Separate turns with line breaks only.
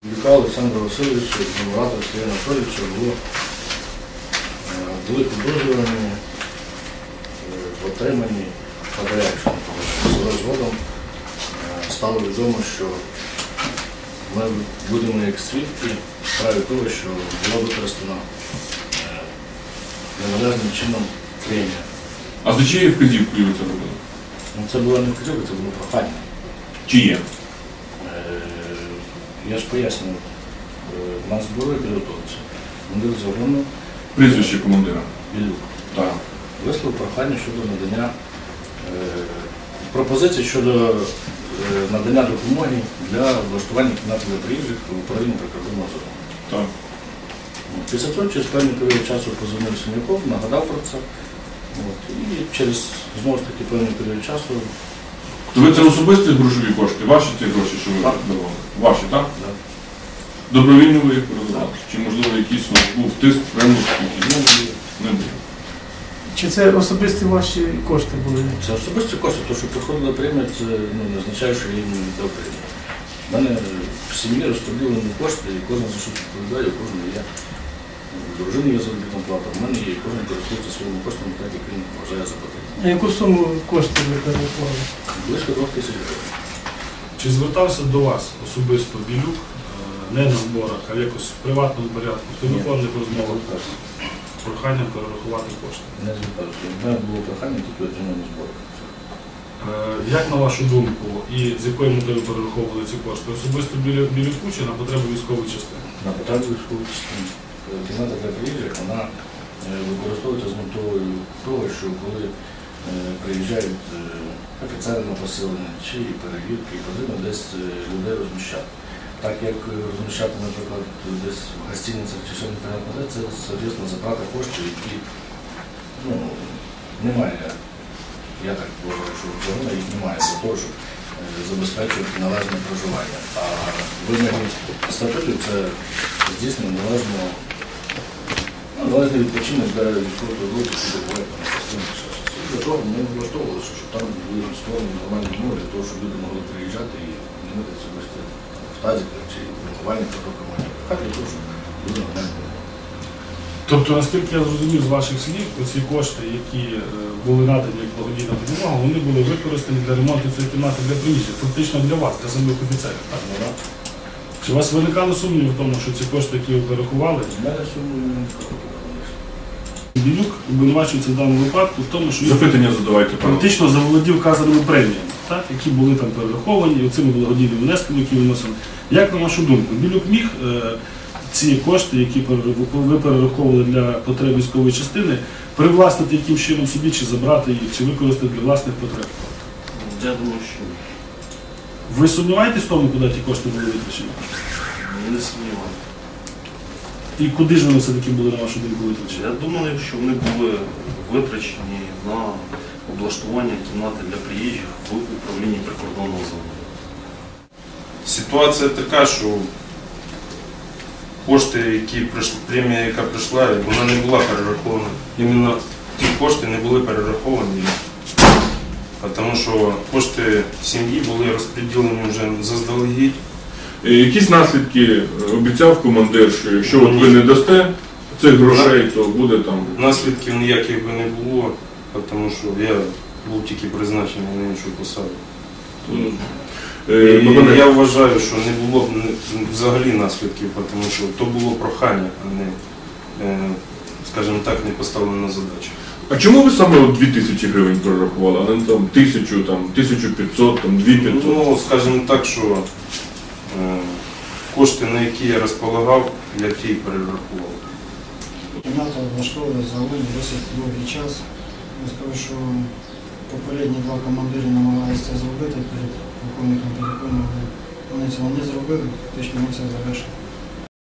Білюка Олександра Васильовича, Муратова Сергія Анатолійовича були підозрювані в отриманні подрядження. Згодом стало відомо, що ми будемо як свідки в справі того, що була використана неналежним чином премія.
А за чиєю вказівкою ви це робили?
Це була не вказівка, це було прохання.
Чиє?
Я ж пояснюю, у нас були підготовці. Командир загону
Прізвище командира?
Білюк.
Так.
Висловив прохання щодо надання пропозицій щодо надання допомоги для влаштування кімнати для приїжджих в управлінні прикордонного загону.
Так.
Після цього через певний період часу позвонив Сум'яков, нагадав про це. І через, знову ж таки, певний період часу...
То ви це особисті грошові кошти? Ваші ці гроші, що ви давали? Ваші, так?
Так.
Добровільно ви їх передавали? Чи, можливо, якийсь був тиск, примус? Не було.
Чи це особисті ваші кошти були?
Це особисті кошти, тому що приходила премія, це не означає, що я їм не дав премію. У мене в сім'ї розподілені кошти, і кожен за щось відповідає, у кожного є. У дружини є заробітна плата, в мене є, і кожен користується своїми коштами, так як він вважає за потрібне.
А яку суму коштів ви переклали?
Близько 2000 гривень.
Чи звертався до вас особисто Білюк, не на зборах, а якось в приватному порядку, в телефонних розмовах, з проханням перерахувати кошти?
Не звертався. У мене було прохання тільки отримання збору.
Як на вашу думку, і з якою метою перераховували ці кошти? Особисто Білюку чи на потреби військової частини?
На потреби військової частини. Кімната для приїжджих, вона використовується з метою того, що коли приїжджають офіцери на поселення чи перевірки, потрібно десь людей розміщати. Так як розміщати, наприклад, десь в гостиницях чи ще непонятно де, це, звісно, затрата коштів, які немає. Я так вважаю, що взагалі їх немає для того, щоб забезпечувати належне проживання. А вимоги статутів це здійснення належний відпочинок для військовослужбовців, які бувають на постійних часах. Для того ми влаштовували, щоб там були створені нормальні умови для того, щоб люди могли приїжджати і не митися в тазиках чи виховальних протоколах. Хай для того, щоб люди нормально були.
Тобто, наскільки я зрозумів з ваших слів, ці кошти, які були надані як благодійна допомога, вони були використані для ремонту цієї кімнати для приїжджих, фактично для вас, для самих офіцерів. Так? Чи у вас виникали сумніви в тому, що ці кошти, які ви перерахували?
У мене сумнівів не виникало.
Білюк обвинувачується в даному випадку в тому, що він
Запитання задавайте, пане.
фактично заволодів вказаними преміями, так, які були там перераховані, оцими благодійними внесками, які виносили. Як на вашу думку, Білюк міг ці кошти, які ви перераховували для потреб військової частини, привласнити яким чином собі, чи забрати їх, чи використати для власних потреб?
Я думаю, що
Ви сумніваєтесь в тому, куди ті кошти були витрачені?
не сумніваюся.
І куди ж вони все-таки були, на вашу думку, витрачені?
Я думаю, що вони були витрачені на облаштування кімнати для приїжджих в управлінні прикордонного загону.
Ситуація така, що кошти, премія, яка прийшла, вона не була перерахована. Іменно ті кошти не були перераховані, тому що кошти сім'ї були розподілені вже заздалегідь.
Якісь наслідки обіцяв командир, що якщо от ви не дасте цих грошей, то буде там...
Наслідків ніяких би не було, тому що я був тільки призначений на іншу посаду. І я вважаю, що не було б взагалі наслідків, тому що то було прохання, а не, скажімо так, не поставлена задача.
А чому ви саме 2000 гривень перерахували, а не там 1000, 1500, 2500?
Ну, скажімо так, що кошти, на які я розполагав, я ті й перерахував.
Кімната влаштовувала загалом досить довгий час. Я скажу, що попередні два командири намагалися це зробити перед полковником Білюком, але вони цього не зробили, фактично ми це завершили.